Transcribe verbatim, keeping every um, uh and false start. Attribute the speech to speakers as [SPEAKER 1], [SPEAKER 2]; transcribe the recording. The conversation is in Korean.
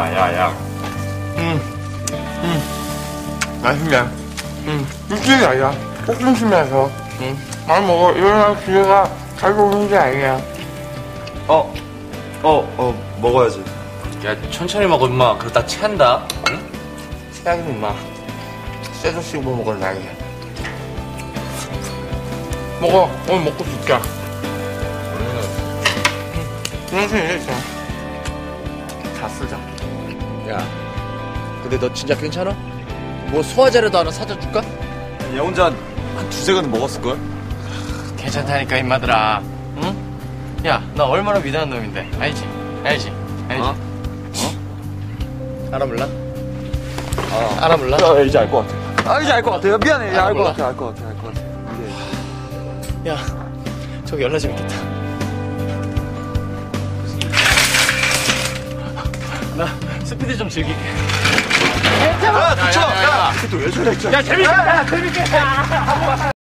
[SPEAKER 1] 야, 야, 야. 음, 음, 맛있네. 음, 육즙이 아니야. 볶음심이라서. 음, 많이 먹어. 일어나 기회가 가지고 오는 게 아니야.
[SPEAKER 2] 어, 어, 어, 먹어야지.
[SPEAKER 1] 야, 천천히 먹어, 임마. 그러다 체한다. 응? 체하긴, 임마. 쇠도 씹어 먹을 나이야. 먹어. 오늘 먹고 줄게. 그러지, 이제. 다 쓰자.
[SPEAKER 3] 야, 근데 너 진짜 괜찮아? 뭐 소화제라도 하나 사다 줄까?
[SPEAKER 2] 얘 혼자 한 두세 잔 먹었을걸?
[SPEAKER 1] 괜찮다니까, 임마들아. 응? 야, 나 얼마나 위대한 놈인데. 알지? 알지? 알지?
[SPEAKER 2] 어?
[SPEAKER 3] 알아 몰라?
[SPEAKER 2] 아,
[SPEAKER 3] 알아 몰라?
[SPEAKER 2] 야, 이제 알 것 같아. 아, 이제 알 것 같아. 미안해. 알 것 같아, 알 것 같아, 알 것 같아. 이제.
[SPEAKER 3] 야, 저기 연락 좀 있겠다. 나 스피드 좀 즐길게.
[SPEAKER 2] 야, 닥쳐! 야, 야, 야, 야, 야, 야, 야, 야, 야, 야, 야, 야, 야, 야, 야, 재밌게! 야, 재밌게!